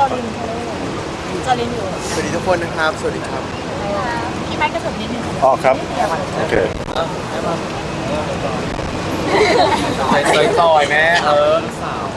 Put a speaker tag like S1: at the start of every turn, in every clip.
S1: ลินจอลินอยู่
S2: สวัสดีทุกคนนะครับสวัสดีครับ
S1: พี่ไม้กระสุนนิดนึง
S3: อ๋อครับโอเค
S2: ซอยแม่ลูกสาว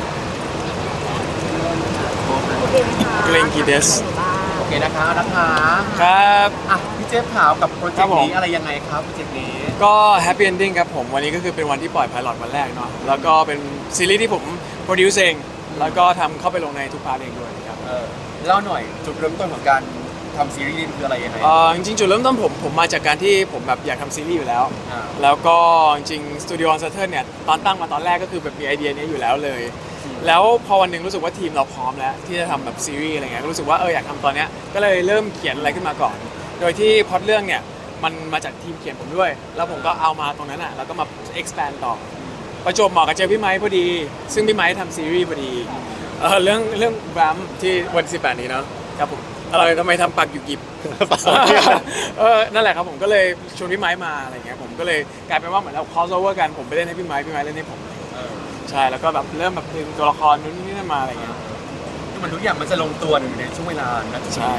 S4: เกรงกีเดส
S2: โอเคนะคะ
S4: ครับ
S2: อ่ะพี่เจฟขาวกับโปรเจกต์นี้อะไรยังไงครับโปรเจกต์นี้
S4: ก็แฮปปี้เอนดิ้งครับผมวันนี้ก็คือเป็นวันที่ปล่อยไพลอตวันแรกเนาะแล้วก็เป็นซีรีส์ที่ผมโปรดิวซ์เองแล้วก็ทำเข้าไปลงในทุกพาร์ทเองด้วยครับ
S2: เล่าหน่อยจุดเริ่มต้นของการทำซีรีส์นี้คืออะไรยังไง
S4: จริงๆจุดเริ่มต้นผมมาจากการที่ผมแบบอยากทำซีรีส์อยู่แล้วแล้วก็จริงๆสตูดิโอออนเซอร์เทิร์นเนี่ยตอนตั้งมาตอนแรกก็คือแบบมีไอเดียนี้อยู่แล้วเลยแล้วพอวันหนึ่งรู้สึกว่าทีมเราพร้อมแล้วที่จะทำแบบซีรีส์อะไรเงี้ยก็รู้สึกว่าอยากทำตอนเนี้ยก็เลยเริ่มเขียนอะไรขึ้นมาก่อนโดยที่พล็อตเรื่องเนี่ยมันมาจากทีมเขียนผมด้วยแล้วผมก็เอามาตรงนั้นอ่ะแล้วก็มา expand ต่อประจวบเหมาะกับเจอพี่ไมค์พอดีซึ่งพี่ไมค์ทำซีรีส์พอดีเรื่องแบมที่วัน18นี้เนาะครับผมอะไรทำไมทำปากอยู่กิบนั่นแหละครับผมก็เลยชวนพี่ไมค์มาอะไรเงี้ยผมก็เลยกลายเป็นว่าเหมือนเรา cross over กันผมไปเล่นให้พี่ไมค์เล่นให้ผมใช่แล้วก็แบบเริ่มแบบดึงตัวละครนู้นนี่นั่นมาอะไรเงี้ย
S2: มันทุกอย่างมันจะลงตัวในช่วงเวลานะ
S4: ใช่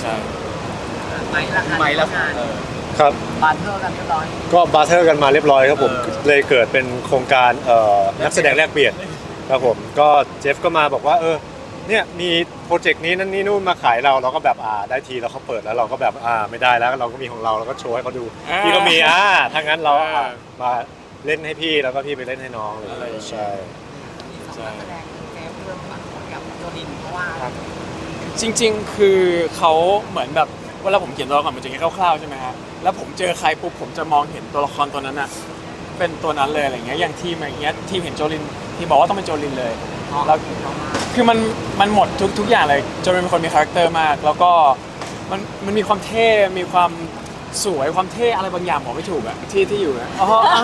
S2: ไม่ละค่ะ
S3: ครับ
S1: บาร์เทอร์กันเรียบร้อย
S3: ก็บาร์เทอร์กันมาเรียบร้อยครับผมเลยเกิดเป็นโครงการนักแสดงแลกเปลี่ยนครับผมก็เจฟก็มาบอกว่าเนี่ยมีโปรเจกต์นี้นั่นนี่นู่นมาขายเราก็แบบได้ทีแล้วเขาเปิดแล้วเราก็แบบไม่ได้แล้วเราก็มีของเราก็โชว์ให้เขาดูพี่ก็มีถ้างั้นเรามาเล่นให้พี่แล้วก็พี่ไปเล่นให้น้องเลยใช่
S1: แสดงเจฟเรื่องกับโจลินเพราะว่า
S4: จริงๆคือเขาเหมือนแบบเวลาผมเขียนตัวละครมันจะแค่คร่าวๆใช่ไหมฮะแล้วผมเจอใครปุ๊บผมจะมองเห็นตัวละครตัวนั้นอะเป็นตัวนั้นเลยอะไรเงี้ยอย่างทีมอย่างเงี้ยทีมเห็นโจลินที่บอกว่าต้องเป็นโจลินเลยแล้วคือมันหมดทุกอย่างเลยโจลินเป็นคนมีคาแรคเตอร์มากแล้วก็มันมีความเท่มีความสวยความเท่อะไรบางอย่างบอกไม่ถูกอะที่อยู่นะ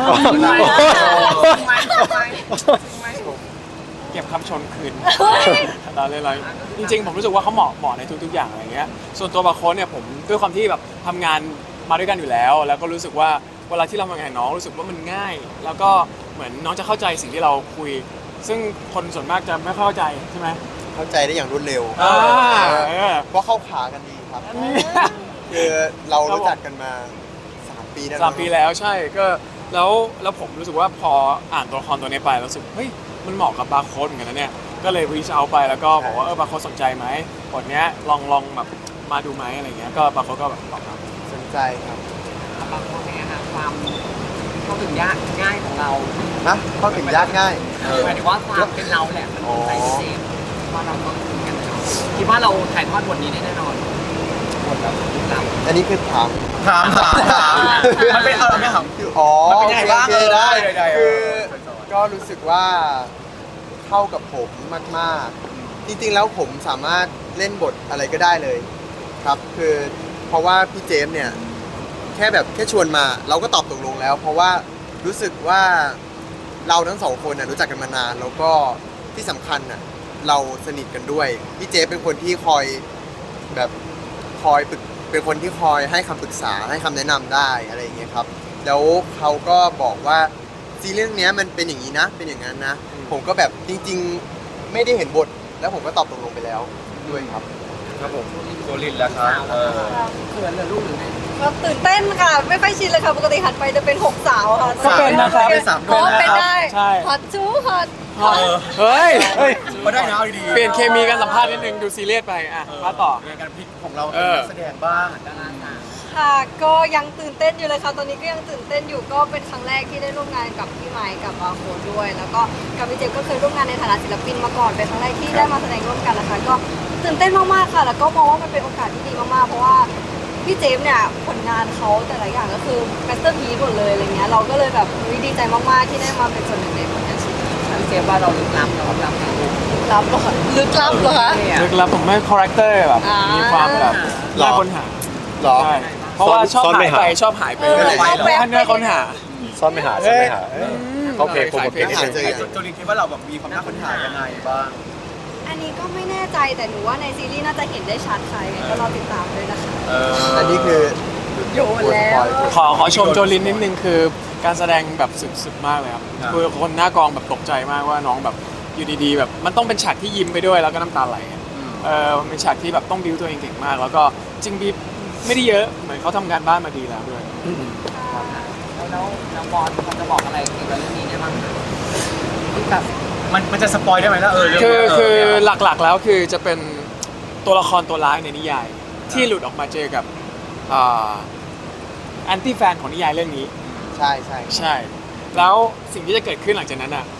S4: เก็บคำชนคืนเราเลยจริงๆผมรู้สึกว่าเขาเหมาะในทุกๆอย่างอะไรเงี้ยส่วนตัวบาโค้ดเนี่ยผมด้วยความที่แบบทำงานมาด้วยกันอยู่แล้วแล้วก็รู้สึกว่าเวลาที่เราทำงานกับน้องรู้สึกว่ามันง่าย แล้วก็เหมือนน้องจะเข้าใจสิ่งที่เราคุยซึ่งคนส่วนมากจะไม่เข้าใจใช่ไหม
S2: เข้าใจได้อย่างรวดเร็วเพราะเข้าขากันดีครับคือเรารู้จักกันมา3 ปีแล้ว
S4: 3 ปีแล้วใช่ก็แล้วผมรู้สึกว่าพออ่านตัวละครตัวนี้ไปรู้สึกเฮ้ยมันเหมาะกับบาร์โค้ดเหมือนกันนะเนี่ยก็เลยรีชเอาไปแล้วก็บอกว่าบาร์โค้ดสนใจไหมบทเนี้ยลองแบบมาดูไหมอะไรเงี้ยก็บาร์โค้ดก็แบบตอบรับ
S2: สนใจครับ
S1: บาร์โค้ดเนี่ยค่ะความเข้าถึงยากง่ายของเรา
S2: นะเข้าถึงยากง่าย
S1: หมายถึงว่าความเป็นเราแหละมันใจเจฟว่าเราต้องคุยกันคิดว่าเราถ่ายทอดบทนี้ได้แน่นอนบทแล้ว
S2: อันนี้คือถามมันเป็นอะไรไม่ถามอ๋อมันเป็นยังไงบ้างได้คือก็รู้สึกว่าเข้ากับผมมากๆจริงๆแล้วผมสามารถเล่นบทอะไรก็ได้เลยครับคือเพราะว่าพี่เจมส์เนี่ยแค่ชวนมาเราก็ตอบตกลงแล้วเพราะว่ารู้สึกว่าเราทั้งสองคนรู้จักกันมานานแล้วก็ที่สำคัญเราสนิทกันด้วยพี่เจมส์เป็นคนที่คอยเป็นคนที่คอยให้คำปรึกษาให้คำแนะนำได้อะไรอย่างเงี้ยครับแล้วเขาก็บอกว่าซีรีส์เรื่องนี้มันเป็นอย่างนี้นะเป็นอย่างนั้นนะผมก็แบบจริงๆไม่ได้เห็นบทแล้วผมก็ตอบตกลงไปแล้วด้วยครับผมโจลินแล้วครับ
S1: เขินหรือลูกหรือไง
S5: ก็ตื่นเต้นค่ะไม่ค่อยชินเลยค่ะปกติหันไปจะเป็น6 สาวค่ะ
S4: ก็เป็นนะครับ
S2: เป็น3
S5: ก็เป็นได้
S4: ใช่
S5: ฮอตจูฮอต
S4: เฮ้ย
S2: ก็ได้นะเอาดี
S4: เปลี่ยนเคมีกันสัมภาษณ์นิดนึงดูซีเรียสไปมาต่อ
S2: การพลิกของเราเป็นแสดงบ้าง
S1: ดาราสาว
S5: ค่ะก็ยังตื่นเต้นอยู่เลยค่ะตอนนี้ก็ยังตื่นเต้นอยู่ก็เป็นครั้งแรกที่ได้ร่วมงานกับพี่ไมค์กับบาร์โค้ดด้วยแล้วก็กับพี่เจมก็เคยร่วมงานในฐานะศิลปินมาก่อนเป็นครั้งแรกที่ได้มาแสดงร่วมกันนะคะก็ตื่นเต้นมากๆค่ะแล้วก็มองว่ามันเป็นโอกาสที่ดีมากๆเพราะว่าพี่เจมเนี่ยผลงานเขาแต่ละอย่างก็คือแมสเตอร์พีซหมดเลยอะไรเงี้ยเราก็เลยแบบดีใจมากๆที่ได้มาเป็นส่วนหนึ่งในผลงานชิ้นนี้
S1: พี่เจฟว่าเราลึกลับเหรอ
S5: ลึกลับเหรอคะลึกลับ
S4: ผมไม่คาแรคเตอร์แบบมีความแบบน่าค้นหา
S2: หรอ
S4: เพราะว่าชอบหายไปชอบหายไปแล้วเนื้อค้นหา
S3: ซ่อนไม่หาเขาเพลงโปรโมทเพลงนี้
S2: โจลินคิดว่าเราแบบมีความน่าค้นหายังไงบ้าง
S5: อันนี้ก็ไม่แน่ใจแต่หนูว่าในซีรีส์น่าจะเห็นได้ชัดค่ะยังไงก็รอติดตามด้วยนะคะ
S2: อันนี้คือ
S5: โยนแล้ว
S4: ขอชมโจลินนิดนึงคือการแสดงแบบสุดๆมากเลยครับคือคนหน้ากองแบบตกใจมากว่าน้องแบบอยู่ดีๆแบบมันต้องเป็นฉากที่ยิ้มไปด้วยแล้วก็น้ำตาไหลมันเป็นฉากที่แบบต้องบิวตัวเองเก่งมาก แล้วก็จริงบีไม่ได้เยอะเหมือนเขาทำงานบ้านมาดีแล้วด้วย
S1: แล้วบอสเขาจะบอกอะไรเกี่ยวกับเรื่องนี้ได้บ้างคะที่แบบ
S6: มันจะสปอยได้ไหมล่ะเรื่อง
S4: คือหลักๆแล้วคือจะเป็นตัวละครตัวร้ายในนิยาย ที่หลุดออกมาเจอกับแอนตี้แฟนของนิยายเรื่องนี้
S2: ใช่ใช่
S4: ใช่ แล้วสิ่งที่จะเกิดขึ้นหลังจากนั้นอ่ะ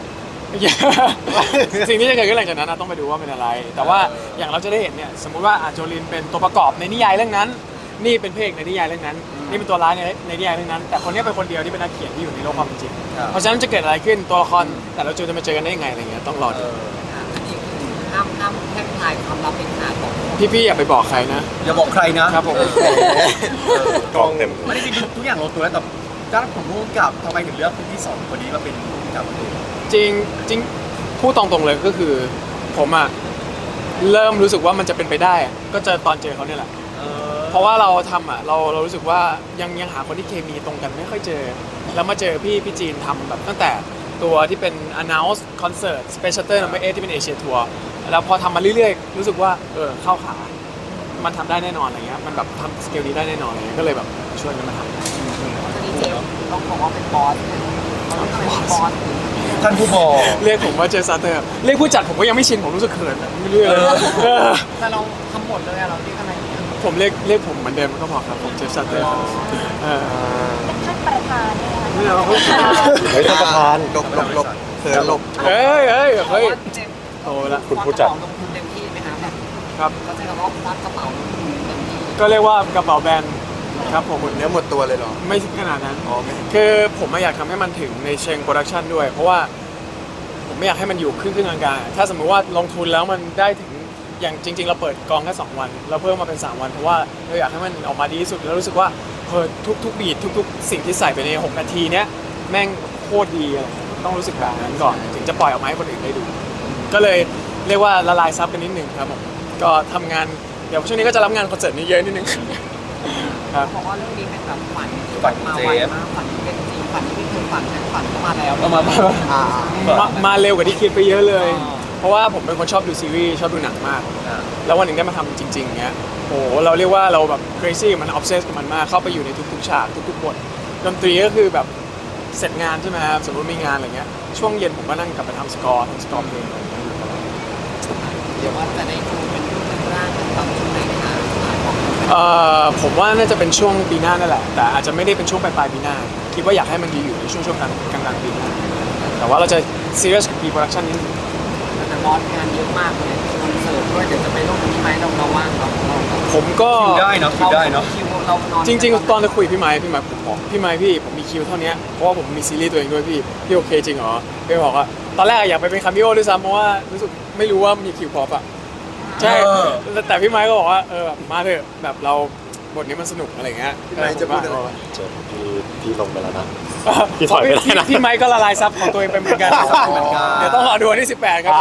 S4: สิ่งที่จะเกิดขึ้นหลังจากนั้นต้องไปดูว่าเป็นอะไร แต่ว่าอย่างเราจะได้เห็นเนี่ยสมมุติว่าโจลินเป็นตัวประกอบในนิยายเรื่องนั้น นี่เป็นเพลงในนิยายเรื่องนั้น นี่เป็นตัวร้ายในนิยายเรื่องนั้น แต่คนนี้เป็นคนเดียวที่เป็นนักเขียนที่อยู่ในโลกความเป็นจริง เพราะฉะนั้นจะเกิดอะไรขึ้นตัวละครแต่ละจูจะมาเจอกันได้ยังไงอะไรเงี้ยต้องรอดู
S1: อันนี้คือห้ามแพร่งพรายความลับเป็นขาดของ
S4: พี่ๆอย่าไปบอกใครนะ
S6: อย่าบอกใครนะครับ
S4: ผม
S3: กล้องเต็ม
S6: ไม่ได้จริงทุกอย่างลงตัวแล้วแต่ด้านผมพูดกับทำไมถึงเลือกพี่สองคนนี้มาเป็นผู้กำกับ
S4: จริงพูดตรงๆเลยก็คือผมอะเริ่มรู้สึกว่ามันจะเป็นไปได้อะก็เจอตอนเจอเขาเนี่ยแหละ เพราะว่าเราทำเรารู้สึกว่ายังหาคนที่เคมีตรงกันไม่ค่อยเจอ แล้วมาเจอพี่จีนทำแบบตั้งแต่ตัวที่เป็น announce concert special tour number 8ที่เป็นเอเชียทัวร์แล้วพอทำมาเรื่อยๆรู้สึกว่าเข้าขา มันทำได้แน่นอนอะไรเงี้ยมันแบบทำสเกลนี้ได้แน่นอนอะไรเงี้ยก็เลยแบบชวนกันมาทำ
S1: อันนี้เจมต้องบอกว่าเป็นบอสเนี่ยเขาต้องเป็นบอส
S6: ท่านผู้บอก
S4: เรียกผมว่าเจสัตเตอร์เรียกผู้จัดผมก็ยังไม่ชินผมรู้สึกเขินอะไม่เรื่อยเลย
S1: แต่เราทำหมดเลยอะเราเรียกอะไรเนี่ย
S4: ผมเรียกผมเหมือนเดิมก็พอครับผมเจฟซัตเตอร์ครับ
S5: ท่านประธานเนี่ย
S4: ไม่เอาเขา
S3: เฮ้ยท่านประธาน
S2: หลบเขินหลบ
S4: เฮ้ย
S1: เจม
S4: โตละ
S3: คุณผู้จัด
S1: ลงทุนเต็มที่ไหมครับแบบ
S4: ครับ
S1: เขาใช้คำว่าควักกระเป๋าลงทุนเต็มที่
S4: ก็เรียกว่ากระเป๋าแบรนด์ครับผม
S2: หมดเนื้อหมดตัวเลยเหรอ
S4: ไม่ถึงขนาดนั้น
S2: อ๋อไม่
S4: คือผมไม่อยากทำให้มันถึงในเชิงโปรดักชันด้วย เพราะว่าผมไม่อยากให้มันอยู่ครึ่งกลางๆถ้าสมมติว่าลงทุนแล้วมันได้ถึงอย่างจริง ๆ เราเปิดกองแค่2 วันเราเพิ่มมาเป็น3 วันเพราะว่าเราอยากให้มันออกมาดีที่สุดแล้วรู้สึกว่าทุกบีททุกสิ่งที่ใส่ไปใน6 นาทีเนี้ยแม่งโคตรดีอะไรต้องรู้สึกแบบนั้นก่อนถึงจะปล่อยออกมาให้คนอื่นได้ดู ก็เลยเรียกว่าละลายซับกันนิดนึงครับผมก็ทำงานเดี๋ยวช่วงนี้ก็จะรับงานคอนเสิร์ตนี้เยอะนิดนึงครับ
S1: เพราะว่าเรื่องนี้เป็นแบบฝันที่มาไวมากฝันที่เป็นจริงฝันที่ไม่เคยฝันฝันเข้ามาแล้ว
S2: อ่า
S4: มาเร็วกว่าที่คิดไปเยอะเลย เพราะว่าผมเป็นคนชอบดูซีรีส์ชอบดูหนังมาก แล้ววันหนึ่งได้มาทำจริงๆเงี้ยโอ้โหเราเรียกว่าเราแบบ crazy กับมัน obsess กับมันมากเข้าไปอยู่ในทุกๆฉากทุกๆบทดนตรีก็คือแบบเสร็จงานใช่ไหมครับสมมติมีงานอะไรเงี้ยช่วงเย็นผมก็นั่งกลับไปทำสกอร์เพลงอะไรอย่างเงี้ยอยู่ตลอด
S1: เดี๋ยวว่าจะได้ดูเป็นรูปเป็นร่างเป็นตอนช่วงไหนคะ
S4: ผมว่าน่าจะเป็นช่วงปีหน้านั่นแหละแต่อาจจะไม่ได้เป็นช่วงปลายปีหน้าคิดว่าอยากให้มันอยู่ในช่วงกลางปีหน้าแต่ว่าเราจะ serious กับ pre-production นิดนึง
S1: แต่บอสงานเยอะมากเลยคอนเสิร์ตด้วยเดี๋ยวจะไปร่วมกับพี่ไม้เราว่างเรา
S4: ผมก็
S6: คิวได้เนาะคิวได้เนาะ
S1: คิวเรานอน
S4: จริงๆ ตอนจะคุยพี่ไม้ผมบอกพี่ไม้พี่ผมมีคิวเท่านี้เพราะว่าผมมีซีรีส์ตัวเองด้วยพี่โอเคจริงเหรอพี่บอกว่าตอนแรกอยากไปเป็นคามิโอด้วยซ้ำเพราะว่ารู้สึกไม่รู้ว่ามีคิวพอปอะใช่แต่พี่ไม้ก็บอกว่ามาเถอะแบบเราบทนี้มันสนุกอะไรเงี้ย
S2: พี่ไมค์จะพูดอะไร
S3: เจอพี่ลงไปแล้วนะ พี่ถอยไปได้นะ
S4: พี่ไม้ก็ละลายซับของตัวเองไปเหมือนกันเดี๋ยวต้องรอดูวันที่18ครับผม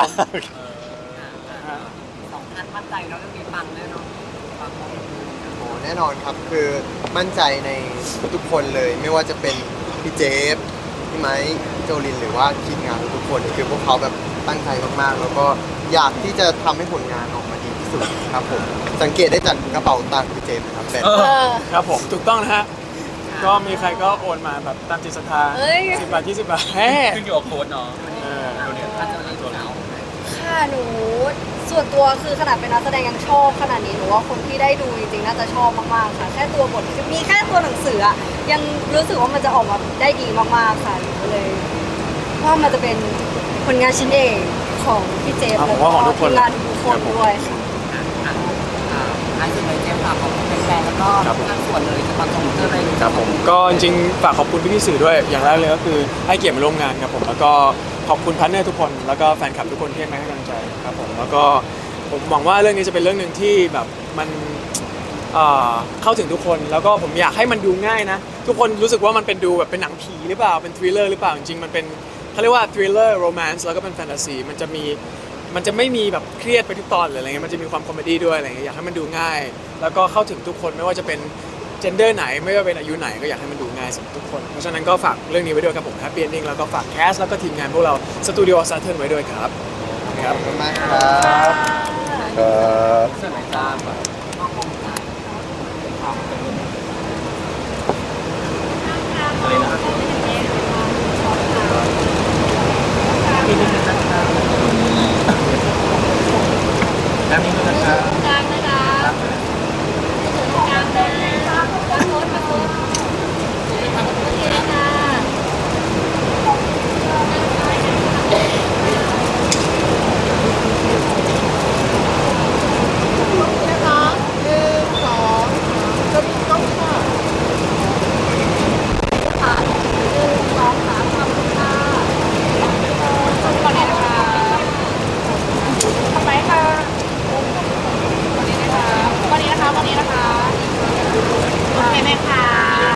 S1: 2,000มั่นใจแล้วเรื่องนี้ปังแน่นอนปังหมด
S2: โอ้แน่นอนครับคือมั่นใจในทุกๆคนเลย ไม่ว่าจะเป็นพี่เจฟพี่ไมค์โจลินหรือว่าทีมงานทุกๆคนคือพวกเขาแบบตั้งใจมากๆ แล้วก็อยากที่จะทำให้ผลงานออกมาดีที่สุดครับผมสังเกตได้จากกระเป๋าตังค์พี่เจฟนะครับแต่
S4: ครับผมถูกต้องนะฮะก็มีใครก็โอนมาแบบตามจิตศรัทธา
S5: เอ้ย
S4: 10 บาท 20 บาทแฮ่
S6: ขึ้นอยู่กับโค้ดเนาะ
S1: ถ้าจะเล่นตัวเรา
S5: ค่ะหนูส่วนตัวคือขนาดเป็นนักแสดงยังชอบขนาดนี้หนูว่าคนที่ได้ดูจริงๆน่าจะชอบมากๆค่ะแค่ตัวบทมีแค่ตัวหนังสืออะยังรู้สึกว่ามันจะออกมาได้ดีมากๆค่ะหนูก็เลยว่ามันจะเป็นผลงานชิ้นเอกของพี่เจฟ
S4: ผ
S5: แล้
S4: ม
S5: วก็
S4: ว่าของทุกคน
S5: ทีมงานทุกคนด้วยค่ะ
S1: ท้ายสุดเลยเจมส์ฝากขอบคุณแฟนๆแล้วก็ทางส่วนเลยจะมาส่งเจออะไร
S4: ครับผมก็จริงๆฝากขอบคุณพี่ๆสื่อด้วยอย่างแรกเลยก็คือให้เกียรติมาร่วมงานครับผมแล้วก็ขอบคุณพาร์ทเนอร์ทุกคนแล้วก็แฟนคลับทุกคนที่ให้กำลังใจครับผมแล้วก็ผมหวังว่าเรื่องนี้จะเป็นเรื่องหนึ่งที่แบบมันเข้าถึงทุกคนแล้วก็ผมอยากให้มันดูง่ายนะทุกคนรู้สึกว่ามันเป็นดูแบบเป็นหนังผีหรือเปล่าเป็นทริลเลอร์หรือเปล่าจริงๆมันเป็นเขาเรียกว่าทริลเลอร์โรแมนซ์แล้วก็เป็นแฟนตาซีมันจะไม่มีแบบเครียดไปทุกตอนเลยอะไรเงี้ยมันจะมีความคอมเมดี้ด้วยอะไรเงี้ยอยากให้มันดูง่าย แล้วก็เข้าถึงทุกคนไม่ว่าจะเป็นเจนเดอร์ไหนไม่ว่าเป็นอายุไหนก็อยากให้มันดูง่ายสำหรับทุกคนเพราะฉะนั้นก็ฝากเรื่องนี้ไว้ด้วยครับผม Happy Ending แล้วก็ฝากแคสแล้วก็ทีมงานพวกเราสตูดิโอซัตเทิร์นไว้ด้วยครับ
S2: ขอบคุณมากครับ